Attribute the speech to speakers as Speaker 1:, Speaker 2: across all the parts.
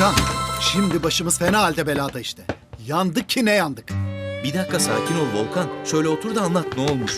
Speaker 1: Hakan, şimdi başımız fena halde belada işte. Yandık ki ne yandık.
Speaker 2: Bir dakika sakin ol Volkan. Şöyle otur da anlat ne olmuş.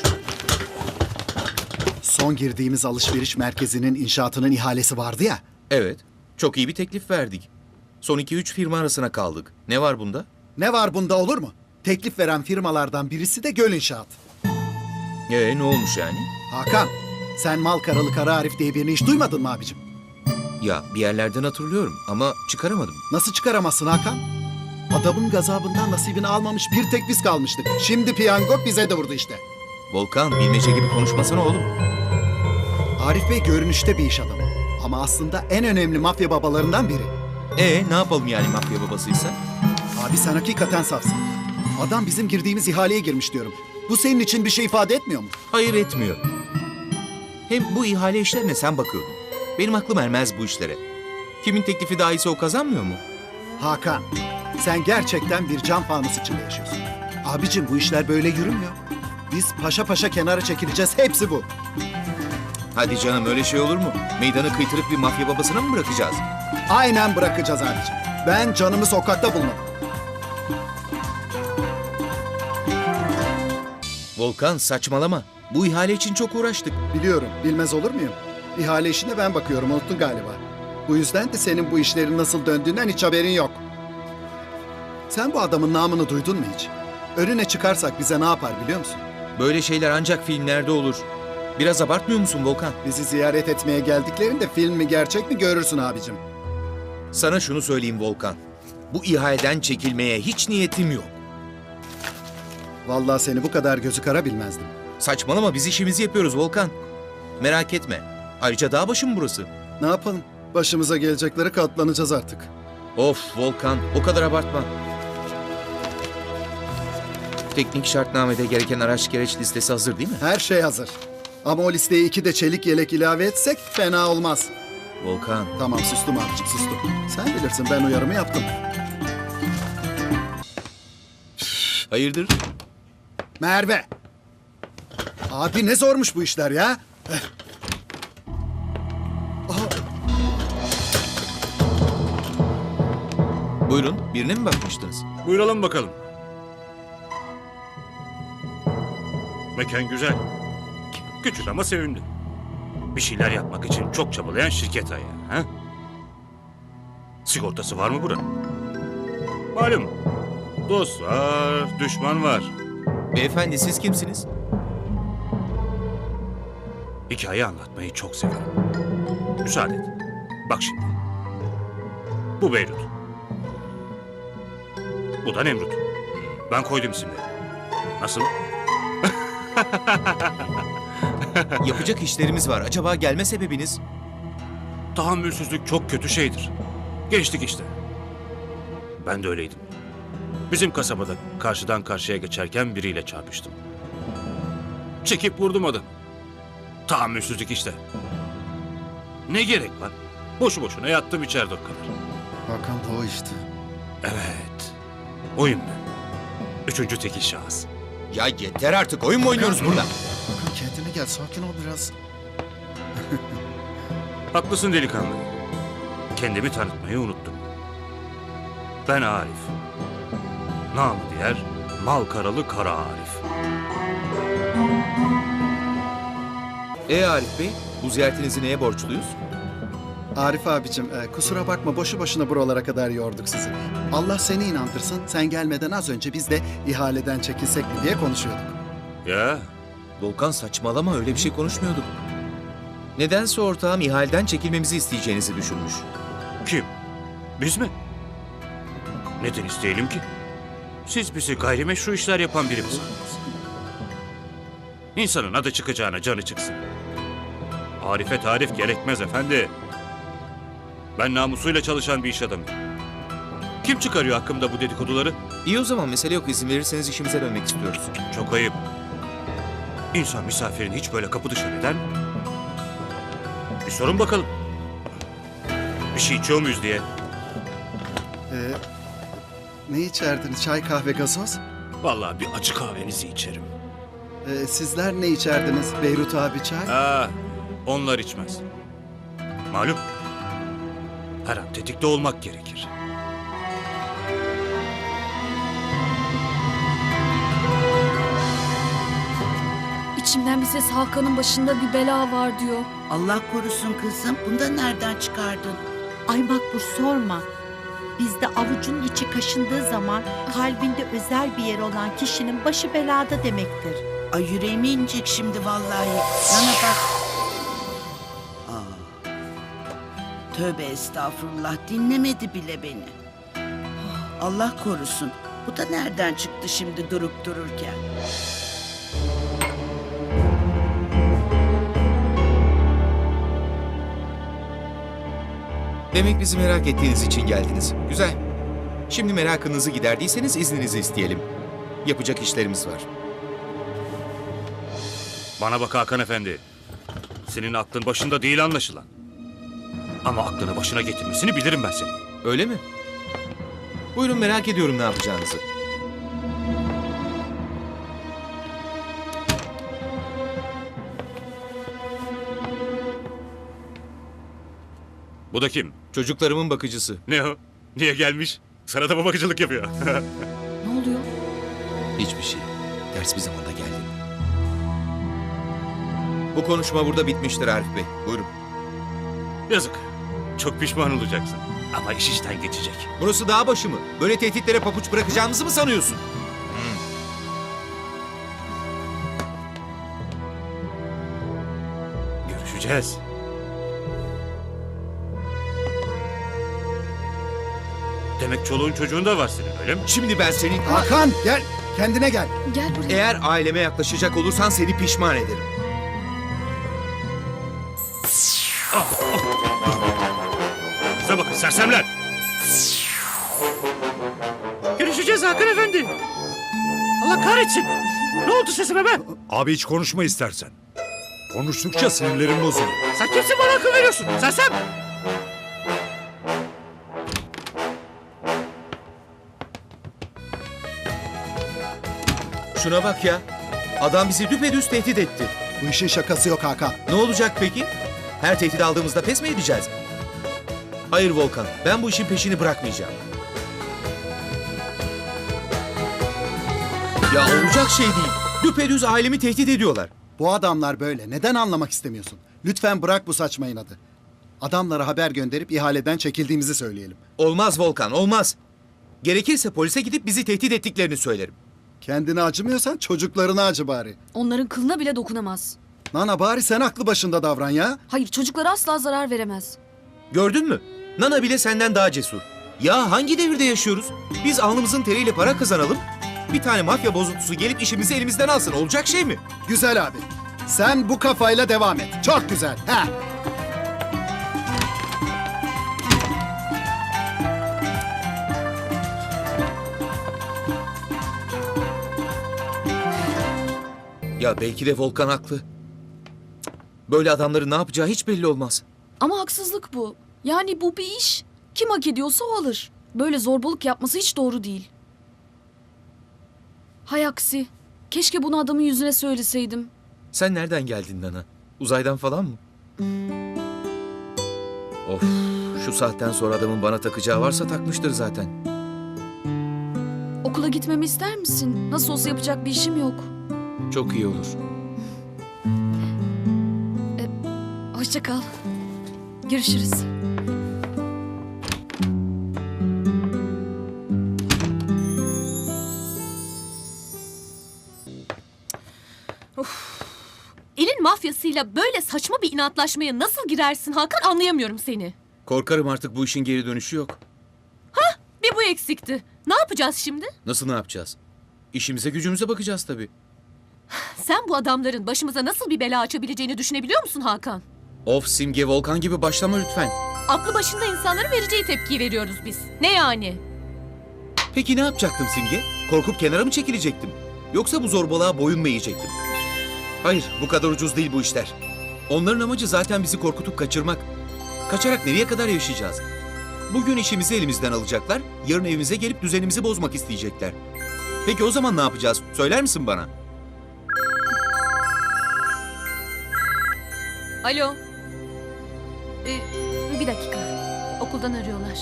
Speaker 1: Son girdiğimiz alışveriş merkezinin inşaatının ihalesi vardı ya.
Speaker 2: Evet. Çok iyi bir teklif verdik. Son 2-3 firma arasına kaldık. Ne var bunda?
Speaker 1: Ne var bunda olur mu? Teklif veren firmalardan birisi de Göl İnşaat.
Speaker 2: Ne olmuş yani?
Speaker 1: Hakan, sen Malkaralı Kara Arif diye birini hiç duymadın mı abicim?
Speaker 2: Ya bir yerlerden hatırlıyorum ama çıkaramadım.
Speaker 1: Nasıl çıkaramazsın Hakan? Adamın gazabından nasibini almamış bir tek biz kalmıştık. Şimdi piyango bize de vurdu işte.
Speaker 2: Volkan bilmece gibi konuşmasana oğlum.
Speaker 1: Arif Bey görünüşte bir iş adamı. Ama aslında en önemli mafya babalarından biri.
Speaker 2: Ne yapalım yani mafya babasıysa?
Speaker 1: Abi sen hakikaten safsın. Adam bizim girdiğimiz ihaleye girmiş diyorum. Bu senin için bir şey ifade etmiyor mu?
Speaker 2: Hayır etmiyor. Hem bu ihale işlerine sen bakıyordun. Benim aklım ermez bu işlere. Kimin teklifi daha iyiyse o kazanmıyor mu?
Speaker 1: Hakan, sen gerçekten bir cam fanus içinde yaşıyorsun. Abicim bu işler böyle yürümüyor. Biz paşa paşa kenara çekileceğiz, hepsi bu.
Speaker 2: Hadi canım öyle şey olur mu? Meydanı kıytırıp bir mafya babasına mı bırakacağız?
Speaker 1: Aynen bırakacağız abicim. Ben canımı sokakta bulmadım.
Speaker 2: Volkan saçmalama. Bu ihale için çok uğraştık.
Speaker 1: Biliyorum, bilmez olur muyum? İhale işine ben bakıyorum, unuttun galiba. Bu yüzden de senin bu işlerin nasıl döndüğünden hiç haberin yok. Sen bu adamın namını duydun mu hiç? Önüne çıkarsak bize ne yapar biliyor musun?
Speaker 2: Böyle şeyler ancak filmlerde olur. Biraz abartmıyor musun Volkan?
Speaker 1: Bizi ziyaret etmeye geldiklerinde film mi gerçek mi görürsün abicim.
Speaker 2: Sana şunu söyleyeyim Volkan. Bu ihaleden çekilmeye hiç niyetim yok.
Speaker 1: Vallahi seni bu kadar gözü kara bilmezdim.
Speaker 2: Saçmalama biz işimizi yapıyoruz Volkan. Merak etme. Ayrıca dağ başı mı burası?
Speaker 1: Ne yapalım? Başımıza gelecekleri katlanacağız artık.
Speaker 2: Of Volkan o kadar abartma. Teknik şartnamede gereken araç gereç listesi hazır değil mi?
Speaker 1: Her şey hazır. Ama o listeye 2 de çelik yelek ilave etsek fena olmaz.
Speaker 2: Volkan.
Speaker 1: Tamam sustum abicim sustum. Sen bilirsin ben uyarımı yaptım.
Speaker 2: Hayırdır?
Speaker 1: Merve. Abi ne zormuş bu işler ya.
Speaker 2: Buyurun birine mi bakmıştınız?
Speaker 3: Buyuralım bakalım. Mekan güzel. Küçük ama sevimli. Bir şeyler yapmak için çok çabalayan şirket ayağı. Ha? Sigortası var mı buranın? Malum. Dost var, düşman var.
Speaker 2: Beyefendi siz kimsiniz?
Speaker 3: Hikaye anlatmayı çok severim. Müsaade et. Bak şimdi. Bu Beyrut. Bu da Nemrut. Ben koydum isimleri. Nasıl?
Speaker 2: Yapacak işlerimiz var. Acaba gelme sebebiniz?
Speaker 3: Tahammülsüzlük çok kötü şeydir. Geçtik işte. Ben de öyleydim. Bizim kasabada karşıdan karşıya geçerken biriyle çarpıştım. Çekip vurdum adamı. Tahammülsüzlük işte. Ne gerek var? Boşu boşuna yattım içeride o kadar.
Speaker 1: Hakan da o işte.
Speaker 3: Evet. Oyun ben. Üçüncü tekil şahıs.
Speaker 2: Ya yeter artık oyun mu oynuyoruz burada?
Speaker 1: Hakan kendine gel sakin ol biraz.
Speaker 3: Haklısın delikanlı. Kendimi tanıtmayı unuttum. Ben Arif. Namı diğer Malkaralı Kara Arif.
Speaker 2: Arif Bey bu ziyaretinizi neye borçluyuz?
Speaker 1: Arif abicim kusura bakma boşu boşuna buralara kadar yorduk sizi. Allah seni inandırsın sen gelmeden az önce biz de ihaleden çekilsek mi diye konuşuyorduk.
Speaker 3: Ya
Speaker 2: Volkan saçmalama öyle bir şey konuşmuyorduk. Nedense ortağım ihaleden çekilmemizi isteyeceğinizi düşünmüş.
Speaker 3: kim? Biz mi? Neden isteyelim ki? Siz bizi gayrimeşru işler yapan biri misiniz? İnsanın adı çıkacağına canı çıksın. Arife tarif gerekmez efendi. Ben namusuyla çalışan bir iş adamıyım. Kim çıkarıyor hakkımda bu dedikoduları?
Speaker 2: İyi o zaman mesele yok izin verirseniz işimize dönmek istiyoruz.
Speaker 3: Çok ayıp. İnsan misafirini hiç böyle kapı dışarı eder mi? Bir sorun bakalım. Bir şey içiyor muyuz diye.
Speaker 1: Ne içerdiniz çay kahve gazoz?
Speaker 3: Vallahi bir açık kahvenizi içerim.
Speaker 1: Sizler ne içerdiniz Beyrut abi çay?
Speaker 3: Onlar içmez. Malum. Her an tetikte olmak gerekir.
Speaker 4: İçimden bir ses Hakan'ın başında bir bela var diyor.
Speaker 5: Allah korusun kızım. Bunu da nereden çıkardın?
Speaker 6: Ay Makbul sorma. Bizde avucunun içi kaşındığı zaman kalbinde özel bir yer olan kişinin başı belada demektir.
Speaker 5: Ay yüreğime inecek şimdi vallahi. Bana bak. Tövbe estağfurullah, dinlemedi bile beni. Allah korusun. Bu da nereden çıktı şimdi durup dururken?
Speaker 2: Demek bizi merak ettiğiniz için geldiniz. Güzel. Şimdi merakınızı giderdiyseniz izninizi isteyelim. Yapacak işlerimiz var.
Speaker 3: Bana bak Hakan Efendi. Senin aklın başında değil anlaşılan. Ama aklını başına getirmesini bilirim ben senin.
Speaker 2: Öyle mi? Buyurun, merak ediyorum ne yapacağınızı.
Speaker 3: Bu da kim?
Speaker 2: Çocuklarımın bakıcısı.
Speaker 3: Ne o? Niye gelmiş? Sana da mı bakıcılık yapıyor?
Speaker 4: Ne oluyor?
Speaker 2: Hiçbir şey. Ters bir zamanda geldi. Bu konuşma burada bitmiştir Arif Bey. Buyurun.
Speaker 3: Yazık. Çok pişman olacaksın. Ama iş işten geçecek.
Speaker 2: Burası dağ başı mı? Böyle tehditlere papuç bırakacağımızı mı sanıyorsun?
Speaker 3: Görüşeceğiz. Demek çoluğun çocuğun da var senin, öyle mi?
Speaker 2: Şimdi ben senin...
Speaker 1: Hakan gel. Kendine gel.
Speaker 4: Gel buraya.
Speaker 2: Eğer aileme yaklaşacak olursan seni pişman ederim.
Speaker 3: Size bakın sersemler! Görüşeceğiz Hakan Efendi. Allah kahretsin. Ne oldu sesime be?
Speaker 7: Abi hiç konuşma istersen. Konuştukça sinirlerim bozuluyor.
Speaker 3: Sen kimsin bana akıl veriyorsun? Sersem!
Speaker 2: Şuna bak ya. Adam bizi düpedüz tehdit etti.
Speaker 1: Bu işin şakası yok Hakan.
Speaker 2: Ne olacak peki? Her tehdit aldığımızda pes mi edeceğiz? Hayır Volkan, ben bu işin peşini bırakmayacağım. Ya olacak şey değil. Düpedüz ailemi tehdit ediyorlar.
Speaker 1: Bu adamlar böyle. Neden anlamak istemiyorsun? Lütfen bırak bu saçma inadı. Adamlara haber gönderip ihaleden çekildiğimizi söyleyelim.
Speaker 2: Olmaz Volkan, olmaz. Gerekirse polise gidip bizi tehdit ettiklerini söylerim.
Speaker 1: Kendine acımıyorsan çocuklarına acı bari.
Speaker 4: Onların kılına bile dokunamaz.
Speaker 1: Nana bari sen aklı başında davran ya.
Speaker 4: Hayır, çocuklara asla zarar veremez.
Speaker 2: Gördün mü? Nana bile senden daha cesur. Ya hangi devirde yaşıyoruz? Biz alnımızın teriyle para kazanalım. Bir tane mafya bozuntusu gelip işimizi elimizden alsın. Olacak şey mi?
Speaker 1: Güzel abi. Sen bu kafayla devam et. Çok güzel. Ha.
Speaker 2: Ya belki de Volkan haklı. Böyle adamların ne yapacağı hiç belli olmaz.
Speaker 4: Ama haksızlık bu. Yani bu bir iş. Kim hak ediyorsa o alır. Böyle zorbalık yapması hiç doğru değil. Hay aksi. Keşke bunu adamın yüzüne söyleseydim.
Speaker 2: Sen nereden geldin Nana? Uzaydan falan mı? Of, şu saatten sonra adamın bana takacağı varsa takmıştır zaten.
Speaker 4: Okula gitmemi ister misin? Nasıl olsa yapacak bir işim yok.
Speaker 2: Çok iyi olur.
Speaker 4: Hoşça kal. Görüşürüz.
Speaker 8: Elin mafyasıyla böyle saçma bir inatlaşmaya nasıl girersin Hakan, anlayamıyorum seni.
Speaker 2: Korkarım artık bu işin geri dönüşü yok.
Speaker 8: Bir bu eksikti. Ne yapacağız şimdi?
Speaker 2: Nasıl ne yapacağız? İşimize gücümüze bakacağız tabii.
Speaker 8: Sen bu adamların başımıza nasıl bir bela açabileceğini düşünebiliyor musun Hakan?
Speaker 2: Of Simge, Volkan gibi başlama lütfen.
Speaker 8: Aklı başında insanların vereceği tepkiyi veriyoruz biz. Ne yani?
Speaker 2: Peki ne yapacaktım Simge? Korkup kenara mı çekilecektim? Yoksa bu zorbalığa boyun mu eğecektim? Hayır, bu kadar ucuz değil bu işler. Onların amacı zaten bizi korkutup kaçırmak. Kaçarak nereye kadar yaşayacağız? Bugün işimizi elimizden alacaklar, yarın evimize gelip düzenimizi bozmak isteyecekler. Peki o zaman ne yapacağız? Söyler misin bana?
Speaker 8: Alo. Bir dakika. Okuldan arıyorlar.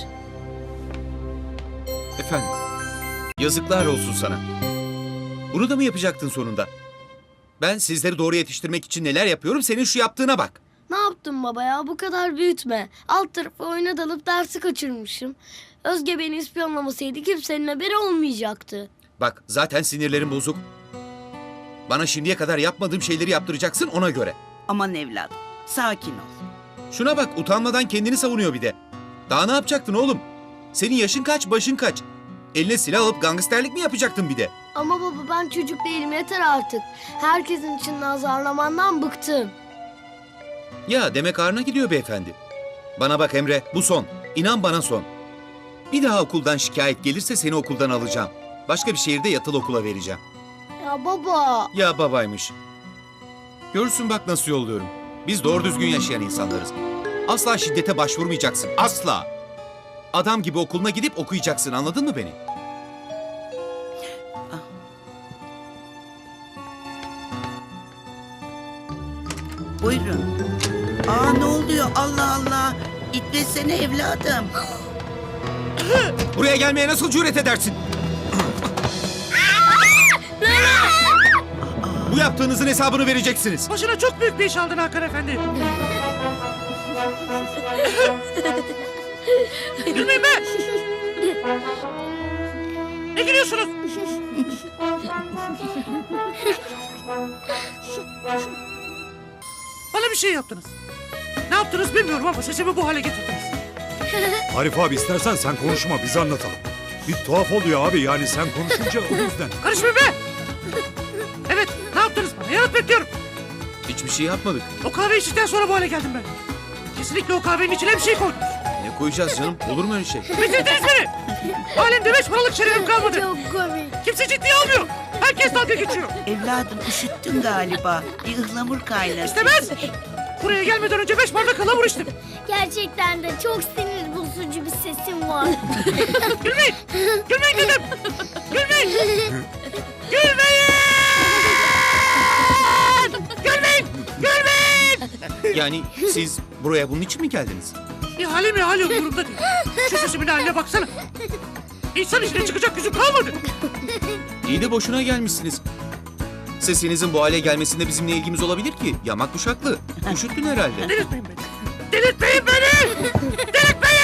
Speaker 2: Efendim, yazıklar olsun sana. Bunu da mı yapacaktın sonunda? Ben sizleri doğru yetiştirmek için neler yapıyorum, senin şu yaptığına bak.
Speaker 9: Ne yaptın baba ya? Bu kadar büyütme. Alt tarafı oyuna dalıp dersi kaçırmışım. Özge beni ispiyonlamasaydı kimsenin haberi olmayacaktı.
Speaker 2: Bak, zaten sinirlerim bozuk. Bana şimdiye kadar yapmadığım şeyleri yaptıracaksın ona göre.
Speaker 5: Aman evladım, sakin ol.
Speaker 2: Şuna bak, utanmadan kendini savunuyor bir de. Daha ne yapacaktın oğlum? Senin yaşın kaç, başın kaç? Eline silah alıp gangsterlik mi yapacaktın bir de?
Speaker 9: Ama baba ben çocuk değilim yeter artık. Herkesin içinde azarlamandan bıktım.
Speaker 2: Ya demek ağrına gidiyor beyefendi. Bana bak Emre, bu son. İnan bana son. Bir daha okuldan şikayet gelirse seni okuldan alacağım. Başka bir şehirde yatılı okula vereceğim.
Speaker 9: Ya baba.
Speaker 2: Ya babaymış. Görürsün bak nasıl yolluyorum. Biz doğru düzgün yaşayan insanlarız. Asla şiddete başvurmayacaksın, asla. Adam gibi okuluna gidip okuyacaksın, anladın mı beni?
Speaker 5: Buyurun. Ne oluyor? Allah Allah. İtlesene evladım.
Speaker 2: Buraya gelmeye nasıl cüret edersin? Bu yaptığınızın hesabını vereceksiniz.
Speaker 10: Başına çok büyük bir iş aldın Hakan Efendi. Gülmeyin be! Ne gülüyorsunuz? Bana bir şey yaptınız. Ne yaptınız bilmiyorum ama sesimi bu hale getirdiniz.
Speaker 7: Arif abi istersen sen konuşma biz anlatalım. Bir tuhaf oluyor abi yani sen konuşunca o yüzden.
Speaker 10: Karışmayın be! Evet, ne yaptınız bana? Yanıt bekliyorum.
Speaker 2: Hiçbir şey yapmadık.
Speaker 10: O kahve içtikten sonra bu hale geldim ben. Kesinlikle o kahvenin içine bir şey koydunuz.
Speaker 2: Ne koyacağız canım? Olur mu öyle şey?
Speaker 10: Bitirdiniz beni! Alemde 5 paralık şerefim kalmadı.
Speaker 9: Çok komik.
Speaker 10: Kimse ciddiye almıyor. Herkes dalga geçiyor.
Speaker 5: Evladım üşüttün galiba. Bir ıhlamur kaynat.
Speaker 10: İstemez! Buraya gelmeden önce 5 bardak ıhlamur içtim.
Speaker 9: Gerçekten de çok sinir bozucu bir sesim var.
Speaker 10: Gülmeyin! Gülmeyin dedim! Gülmeyin! Gülmeyin! Gülmeyin! Gülmeyin!
Speaker 2: Yani siz buraya bunun için mi geldiniz?
Speaker 10: İhale mi ihale umurumda değil. Şu sesimin haline baksana. İnsan içine çıkacak yüzüm kalmadı.
Speaker 2: İyi de boşuna gelmişsiniz. Sesinizin bu hale gelmesinde bizimle ilgimiz olabilir ki. Yamak kuşaklı. Üşüttün herhalde.
Speaker 10: Delirtmeyin beni. Delirtmeyin beni! Delirtmeyin!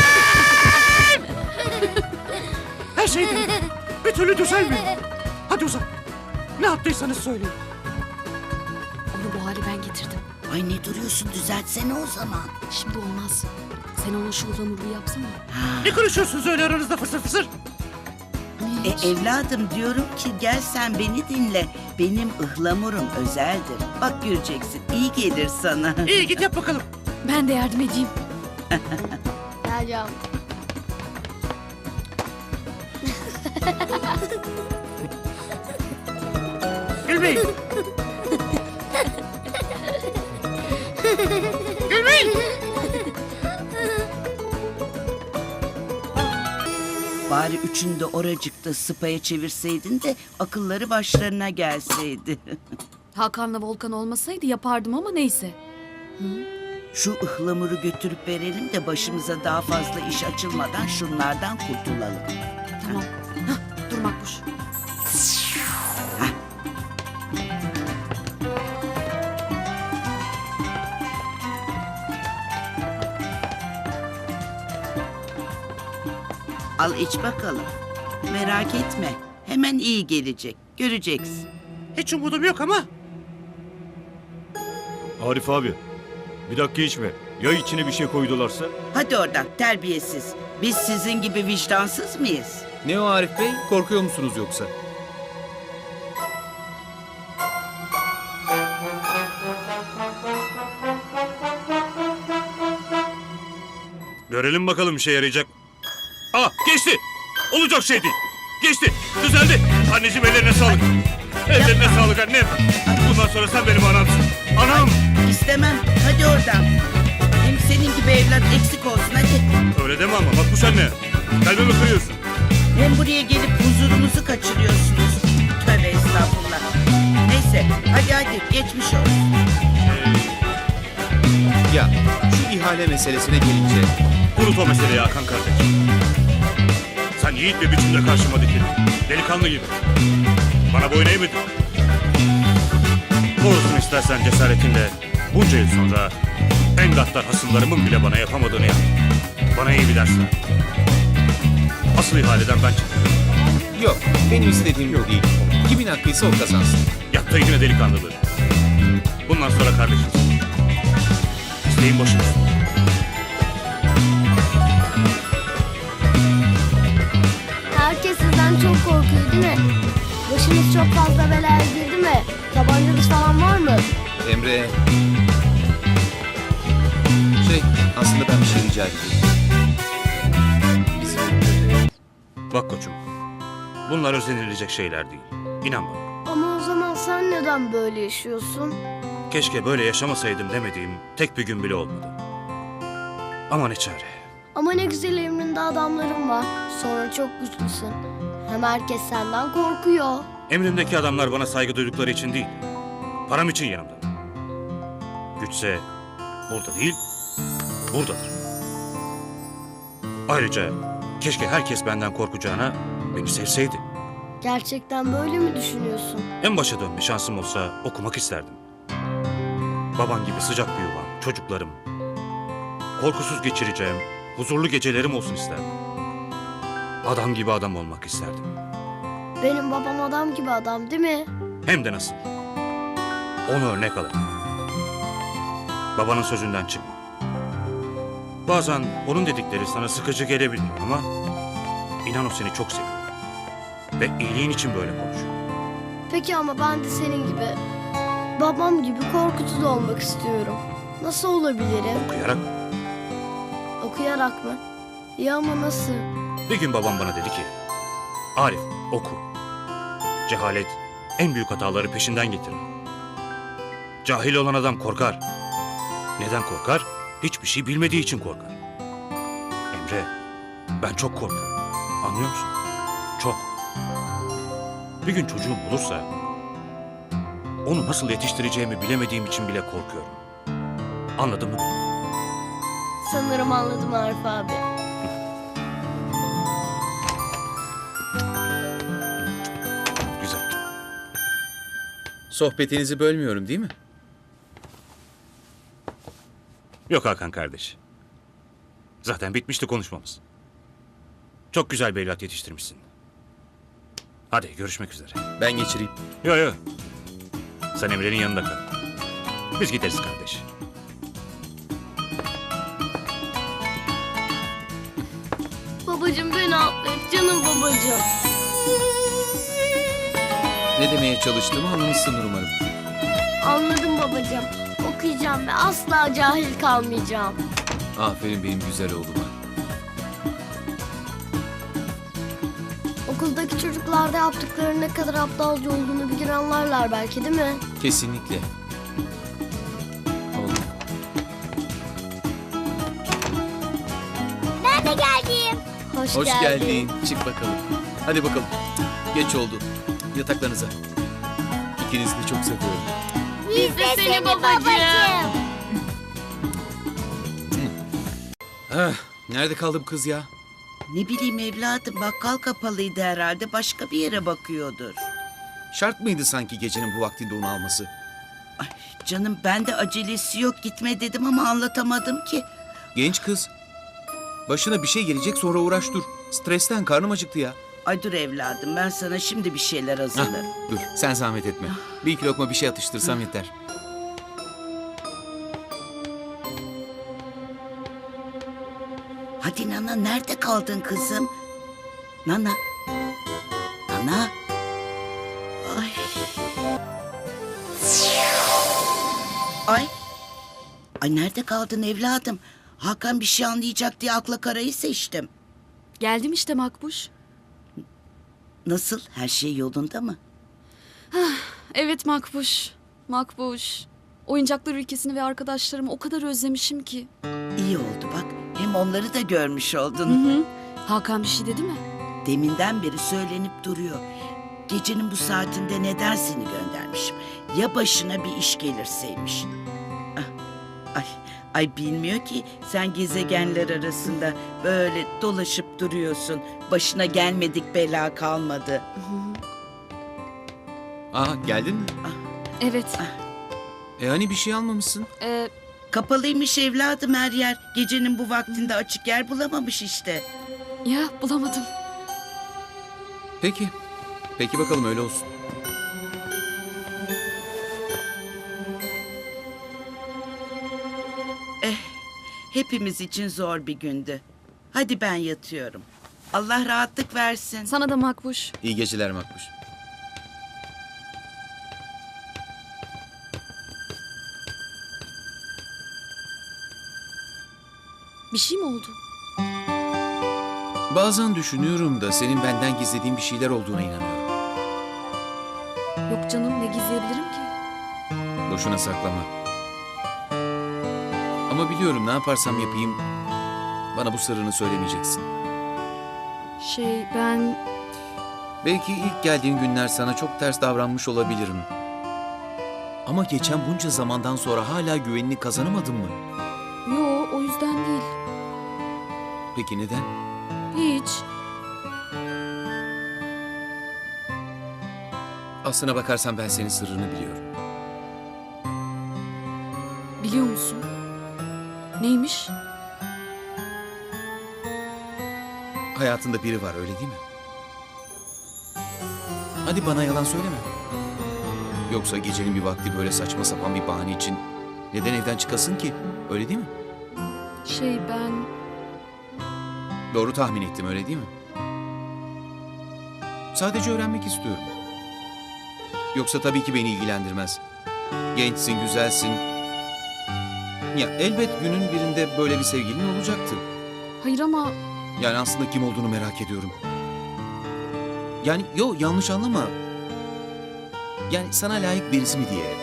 Speaker 10: Her şey değil. Bir türlü düzelmiyor. Hadi uzan. Ne yaptıysanız söyleyin.
Speaker 4: Onu bu hale ben getirdim.
Speaker 5: Ay ne duruyorsun düzeltsene o zaman.
Speaker 4: Şimdi olmaz. Sen ona şu ıhlamuru yapsana.
Speaker 10: Ne konuşuyorsunuz öyle aranızda fısır fısır?
Speaker 5: Evladım diyorum ki gel sen beni dinle. Benim ıhlamurum özeldir. Bak göreceksin iyi gelir sana.
Speaker 10: İyi git yap bakalım.
Speaker 4: Ben de yardım edeyim.
Speaker 9: Gel canım.
Speaker 10: Gülmeyin. Gülmeyin.
Speaker 5: Bari üçünü de oracıkta sıpaya çevirseydin de akılları başlarına gelseydi.
Speaker 4: Hakan'la Volkan olmasaydı yapardım ama neyse.
Speaker 5: Şu ıhlamuru götürüp verelim de başımıza daha fazla iş açılmadan şunlardan kurtulalım.
Speaker 4: Tamam. Dur Makbuş.
Speaker 5: Al iç bakalım. Merak etme. Hemen iyi gelecek. Göreceksin.
Speaker 10: Hiç umudum yok ama
Speaker 7: Arif abi bir dakika içme. Ya içine bir şey koydularsa?
Speaker 5: Hadi oradan terbiyesiz. Biz sizin gibi vicdansız mıyız?
Speaker 2: Ne o Arif Bey? Korkuyor musunuz yoksa?
Speaker 3: Görelim bakalım işe yarayacak. Geçti. Olacak şey değil. Geçti. Düzeldi. Anneciğim ellerine sağlık. Ellerine sağlık annem. Bundan sonra sen benim anamsın. Anam.
Speaker 5: İstemem. Hadi oradan. Hem senin gibi evlat eksik olsun hadi.
Speaker 3: Öyle deme ama Makbuş anne. Kalbimi kırıyorsun.
Speaker 5: Hem buraya gelip huzurumuzu kaçırıyorsunuz. Tövbe estağfurullah. Neyse hadi geçmiş olsun.
Speaker 2: Ya şu ihale meselesine gelince
Speaker 3: Unut o meseleyi Hakan kardeş. Sen yiğit bir biçimde karşıma dikildin. Delikanlı gibi. Bana boyun eğmedin. Doğrusunu istersen cesaretinle bunca yıl sonra en gaddar hasımlarımın bile bana yapamadığını yap. Bana iyi bir ders ver. Asıl ihaleden ben çıktım.
Speaker 2: Yok, benim istediğim bu değil. Kimin hakkıysa o kazansın.
Speaker 3: Yaptığı yine delikanlılığı. Bundan sonra kardeşiz. İsteğin boşuna.
Speaker 9: Herkes sizden çok korkuyor değil mi? Başınız çok fazla belaya girdi mi? Tabancanız falan var mı?
Speaker 2: Emre... aslında ben bir şey rica edeceğim.
Speaker 3: Bak koçum. Bunlar özenilecek şeyler değil. İnan bana.
Speaker 9: Ama o zaman sen neden böyle yaşıyorsun?
Speaker 3: Keşke böyle yaşamasaydım demediğim tek bir gün bile olmadı. Ama ne çare.
Speaker 9: Ama ne güzel emrinde adamların var. Sonra çok güçlüsün. Hem herkes senden korkuyor.
Speaker 3: Emrimdeki adamlar bana saygı duydukları için değil, param için yanımda. Güçse burada değil, buradadır. Ayrıca keşke herkes benden korkacağına beni sevseydi.
Speaker 9: Gerçekten böyle mi düşünüyorsun?
Speaker 3: En başa dönme şansım olsa okumak isterdim. Baban gibi sıcak bir yuvam, çocuklarım. Korkusuz geçireceğim, huzurlu gecelerim olsun isterdim. Adam gibi adam olmak isterdim.
Speaker 9: Benim babam adam gibi adam değil mi?
Speaker 3: Hem de nasıl. Onu örnek alın. Babanın sözünden çıkma. Bazen onun dedikleri sana sıkıcı gelebilir ama inan o seni çok seviyor. Ve iyiliğin için böyle konuşuyor.
Speaker 9: Peki ama ben de senin gibi, babam gibi korkutucu olmak istiyorum. Nasıl olabilirim?
Speaker 3: Okuyarak.
Speaker 9: Okuyarak mı? Ya ama nasıl?
Speaker 3: Bir gün babam bana dedi ki, Arif oku. Cehalet en büyük hataları peşinden getirir. Cahil olan adam korkar. Neden korkar? Hiçbir şey bilmediği için korkar. Emre, ben çok korkuyorum. Anlıyor musun? Çok. Bir gün çocuğum olursa onu nasıl yetiştireceğimi bilemediğim için bile korkuyorum. Anladın mı beni?
Speaker 9: Sanırım anladım Arif abi.
Speaker 3: Güzel.
Speaker 2: Sohbetinizi bölmüyorum değil mi?
Speaker 3: Yok Hakan kardeş. Zaten bitmişti konuşmamız. Çok güzel bir evlat yetiştirmişsin. Hadi görüşmek üzere.
Speaker 2: Ben geçireyim.
Speaker 3: Yo. Sen Emre'nin yanında kal. Biz gideriz kardeş.
Speaker 9: Babacığım beni affet canım babacığım.
Speaker 2: Ne demeye çalıştığımı anlamışsındır umarım.
Speaker 9: Anladım babacığım. Okuyacağım ve asla cahil kalmayacağım.
Speaker 2: Aferin benim güzel oğluma.
Speaker 9: Okuldaki çocuklarda yaptıklarının ne kadar aptalca olduğunu bir gün anlarlar belki değil mi?
Speaker 2: Kesinlikle. Oğlum.
Speaker 9: Nerede geldim?
Speaker 2: Hoş geldin. Çık bakalım. Hadi bakalım. Geç oldu. Yataklarınıza. İkinizi de çok seviyorum.
Speaker 9: Biz de seni babacığım.
Speaker 2: Nerede kaldı bu kız ya?
Speaker 5: Ne bileyim evladım, bakkal kapalıydı herhalde, başka bir yere bakıyordur.
Speaker 2: Şart mıydı sanki gecenin bu vaktinde onu alması?
Speaker 5: Ay canım, ben de acelesi yok, gitme dedim ama anlatamadım ki.
Speaker 2: Genç kız. Başına bir şey gelecek, sonra uğraş dur. Stresten karnım acıktı ya.
Speaker 5: Ay dur evladım, ben sana şimdi bir şeyler hazırlarım.
Speaker 2: Dur, sen zahmet etme. Bir iki lokma bir şey atıştırsam yeter.
Speaker 5: Hadi Nana, nerede kaldın kızım? Nana. Nana. Ay. Ay. Ay nerede kaldın evladım? Hakan bir şey anlayacak diye akla karayı seçtim.
Speaker 4: Geldim işte Makbuş.
Speaker 5: Nasıl? Her şey yolunda mı?
Speaker 4: Evet Makbuş. Makbuş. Oyuncaklar ülkesini ve arkadaşlarımı o kadar özlemişim ki.
Speaker 5: İyi oldu bak. Hem onları da görmüş oldun.
Speaker 4: Hakan bir şey dedi mi?
Speaker 5: Deminden beri söylenip duruyor. Gecenin bu saatinde neden seni göndermişim? Ya başına bir iş gelirseymiş? Ah, ay, Ay bilmiyor ki sen gezegenler arasında böyle dolaşıp duruyorsun. Başına gelmedik bela kalmadı.
Speaker 2: Aa geldin mi?
Speaker 4: Evet.
Speaker 2: Hani bir şey almamışsın?
Speaker 5: Kapalıymış evladım her yer. Gecenin bu vaktinde açık yer bulamamış işte.
Speaker 4: Ya bulamadım.
Speaker 2: Peki. Peki bakalım öyle olsun.
Speaker 5: Hepimiz için zor bir gündü. Hadi ben yatıyorum. Allah rahatlık versin.
Speaker 4: Sana da Makbuş.
Speaker 2: İyi geceler Makbuş.
Speaker 4: Bir şey mi oldu?
Speaker 2: Bazen düşünüyorum da senin benden gizlediğin bir şeyler olduğuna inanıyorum.
Speaker 4: Yok canım, ne gizleyebilirim ki?
Speaker 2: Boşuna saklama. Ama biliyorum ne yaparsam yapayım bana bu sırrını söylemeyeceksin.
Speaker 4: Ben...
Speaker 2: Belki ilk geldiğin günler sana çok ters davranmış olabilirim. Ama geçen bunca zamandan sonra hala güvenini kazanamadın mı?
Speaker 4: Yo, o yüzden değil.
Speaker 2: Peki neden?
Speaker 4: Hiç.
Speaker 2: Aslına bakarsan ben senin sırrını biliyorum.
Speaker 4: Biliyor musun? Neymiş?
Speaker 2: Hayatında biri var öyle değil mi? Hadi bana yalan söyleme. Yoksa gecenin bir vakti böyle saçma sapan bir bahane için neden evden çıkasın ki? Öyle değil mi?
Speaker 4: Ben...
Speaker 2: Doğru tahmin ettim öyle değil mi? Sadece öğrenmek istiyorum. Yoksa tabii ki beni ilgilendirmez. Gençsin, güzelsin. Ya elbet günün birinde böyle bir sevgilin olacaktı.
Speaker 4: Hayır ama...
Speaker 2: Yani aslında kim olduğunu merak ediyorum. Yani yanlış anlama. Yani sana layık birisi mi diye.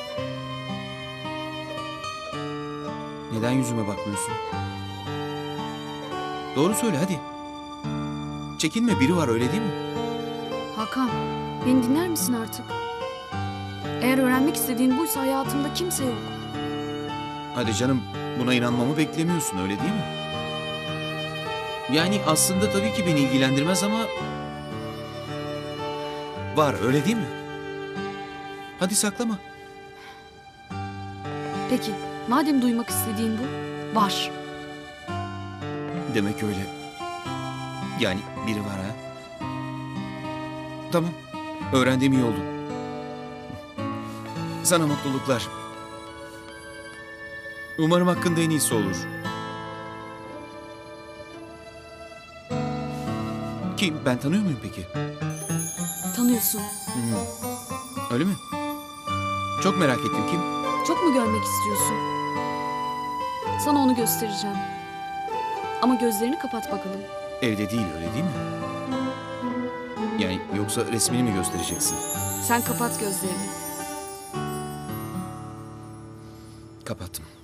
Speaker 2: Neden yüzüme bakmıyorsun? Doğru söyle hadi. Çekinme biri var öyle değil mi?
Speaker 4: Hakan, beni dinler misin artık? Eğer öğrenmek istediğin buysa hayatımda kimse yok.
Speaker 2: Hadi canım buna inanmamı beklemiyorsun öyle değil mi? Yani aslında tabii ki beni ilgilendirmez ama... Var öyle değil mi? Hadi saklama.
Speaker 4: Peki, madem duymak istediğin bu, var.
Speaker 2: Demek öyle. Yani biri var ha. Tamam. Öğrendiğim iyi oldu. Sana mutluluklar. Umarım hakkında en iyisi olur. Kim? Ben tanıyor muyum peki?
Speaker 4: Tanıyorsun.
Speaker 2: Öyle mi? Çok merak ettim kim?
Speaker 4: Çok mu görmek istiyorsun? Sana onu göstereceğim. Ama gözlerini kapat bakalım.
Speaker 2: Evde değil öyle değil mi? Yani yoksa resmini mi göstereceksin?
Speaker 4: Sen kapat gözlerini.
Speaker 2: Kapattım.